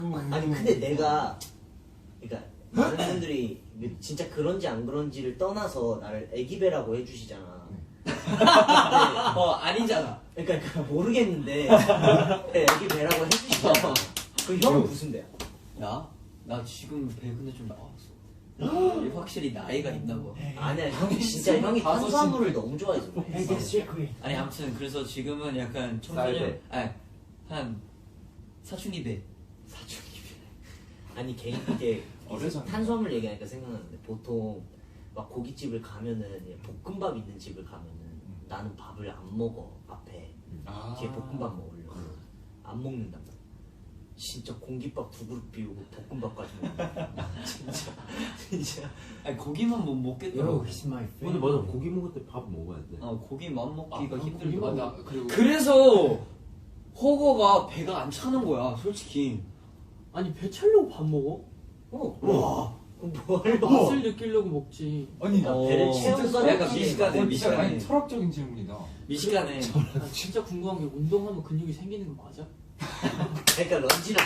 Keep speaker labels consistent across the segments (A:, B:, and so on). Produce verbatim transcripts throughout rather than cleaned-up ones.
A: 아니 근데 내가 그러니까 많은 분들이 진짜 그런지 안 그런지를 떠나서 나를 애기배라고 해주시잖아.
B: 어 아니잖아.
A: 그러니까, 그러니까 모르겠는데 애기배라고 해주시잖아. 그 형은 무슨 배야?
B: 나? 나 지금 배 근데 좀 나왔어. 확실히 나이가 있다고.
A: 아니야 형이 진짜 형이 탄수화물을 너무 좋아해서 그래.
B: 아니 아무튼 그래서 지금은 약간 청소년 아니 한 사춘기 배.
A: 사춘기 배. 아니 개인 이게 탄수화물 얘기하니까 생각나는데 보통 막 고깃집을 가면은 볶음밥 있는 집을 가면은 나는 밥을 안 먹어 앞에 아 뒤에 볶음밥 먹으려고 안 먹는단 말이야. 진짜 공깃밥 두 그릇 비우고 볶음밥까지 먹는다. 진짜 진짜.
B: 아니 고기만 못 먹겠더라고.
C: 근데 맞아 고기 먹을 때 밥 먹어야 돼.
B: 아 고기만 먹기가
D: 아,
B: 힘들더라고.
D: 나 그리고
B: 그래서 허거가 배가 안 차는 거야 솔직히.
E: 아니 배 차려고 밥 먹어?
A: 어.
B: 와.
A: 뭘
E: 맛을 느끼려고 먹지.
D: 아니
A: 나 배를
B: 어,
A: 채우고
B: 약간 미식가네
D: 아니
B: 미식가네.
D: 철학적인 질문이다.
B: 미식가네.
E: 나 진짜 궁금한 게 운동하면 근육이 생기는 거 맞아?
A: 그러니까 런진아.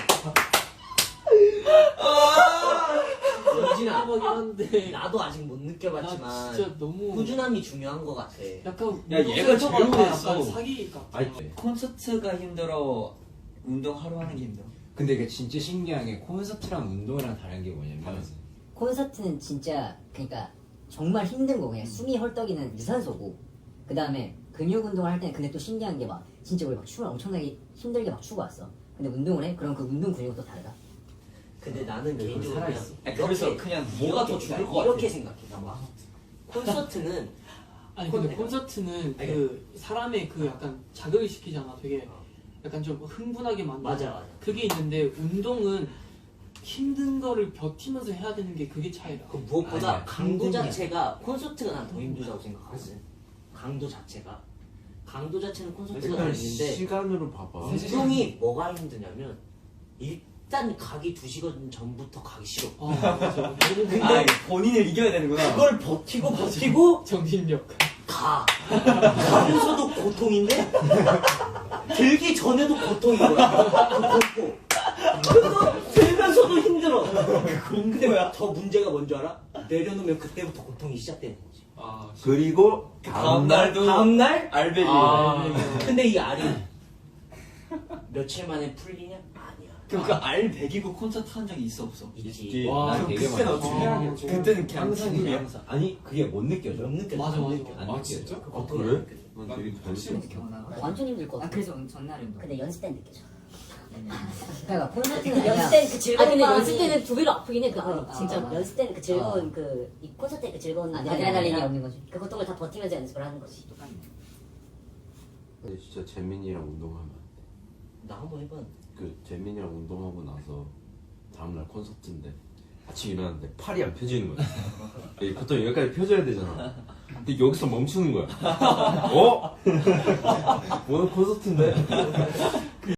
A: 런진아.
E: 궁금하긴 한데
A: 나도 아직 못
E: 나
A: 느껴봤지만
E: 진짜 너무
A: 꾸준함이 중요한 것 같아.
E: 약간
B: 야, 얘가
E: 운동센터가
B: 제일
E: 다
B: 오래했어.
E: 약간 사기 같아.
C: 아니
B: 콘서트가 힘들어. 운동 하루 하는 게 힘들어.
C: 근데 이게 진짜 신기한 게 콘서트랑 운동이랑 다른 게 뭐냐면
F: 콘서트는 진짜 그러니까 정말 힘든 거 그냥 숨이 헐떡이는 유산소고 그 다음에 근육 운동을 할 때는 근데 또 신기한 게 막 진짜 우리 막 춤을 엄청나게 힘들게 막 추고 왔어. 근데 운동을 해? 그럼 그 운동 근육은 또 다르다.
A: 근데 나는 개인적으로 그냥
B: 아니, 그래서 그냥 뭐가 더 좋을 것 같아.
A: 이렇게 생각해. 봐. 콘서트는
E: 아니 근데
A: 콘-
E: 콘서트는 그 사람의 그 약간 자극을 시키잖아. 되게 약간 좀 흥분하게 만들어.
A: 맞아 맞아.
E: 그게 있는데 운동은 힘든 거를 버티면서 해야 되는 게 그게 차이다.
A: 그 무엇보다
C: 아니야,
A: 강도
C: 힘든 게
A: 자체가 콘서트가 난 더 힘들다고 생각하거든. 강도 자체가 강도 자체는 콘서트가 더
C: 일단
A: 있는데
C: 시간으로 봐봐.
A: 운동이 뭐가 힘드냐면 일단 가기 두 시간 전부터 가기 싫어.
E: 아 맞아.
A: 근데
B: 아 본인을 이겨야 되는구나.
A: 그걸 버티고 버티고
E: 정신력.
A: 가. 가면서도 고통인데 들기 전에도 고통인 거야. 그 공포. 그거 들면서도 힘들어. 근데 더 문제가 뭔지 알아? 내려놓으면 그때부터 고통이 시작되는 거지.
D: 아
C: 그리고
B: 다음 날도
A: 다음날?
B: 알베리.
E: 아,
A: 근데 이 알이 며칠 만에 풀리냐? 아니야.
B: 그럼 그 알 백이고 콘서트 한 적이 있어 없어?
A: 있지.
E: 와,
C: 난
E: 그럼
C: 되게
D: 그때는
C: 많아.
D: 어떻게 해야 돼?
B: 그때는 그냥
C: 항상
B: 죽음이야.
C: 항상 아니 그게 못 느껴져.
A: 못 느껴져.
E: 맞아,
A: 못
E: 맞아.
A: 느껴져.
C: 안
D: 아,
C: 느껴져.
D: 진짜?
A: 그
C: 아,
A: 고통이
C: 그래?
A: 안 느껴져.
C: 난
D: 난
C: 되게
D: 확실히
C: 느껴져.
F: 완전 힘들 것 같아.
G: 아 그래서 전날 운동.
F: 근데 연습 때는 느껴져. 그러니까 콘서트는 그냥
H: 연습 때는 그 즐거운
F: 아 근데
H: 마음이-
F: 연습 때는 두 배로 아프긴 해. 그 아니
H: 어,
F: 진짜
H: 어, 연습 때는 그 즐거운
F: 어.
H: 그 이 콘서트 때 그 즐거운
F: 아드레날린이 없는 거지.
H: 그 고통을 다 버티면서 연습을 하는 거지.
G: 똑같네.
C: 근데 진짜 재민이랑 운동하면 안 돼.
A: 나 한번 해봤는데.
C: 그 재민이랑 운동하고 나서 다음날 콘서트인데 아침 일어났는데 팔이 안 펴지는 거야. 이 보통 여기까지 펴져야 되잖아. 근데 여기서 멈추는 거야. 어? 오늘 콘서트인데?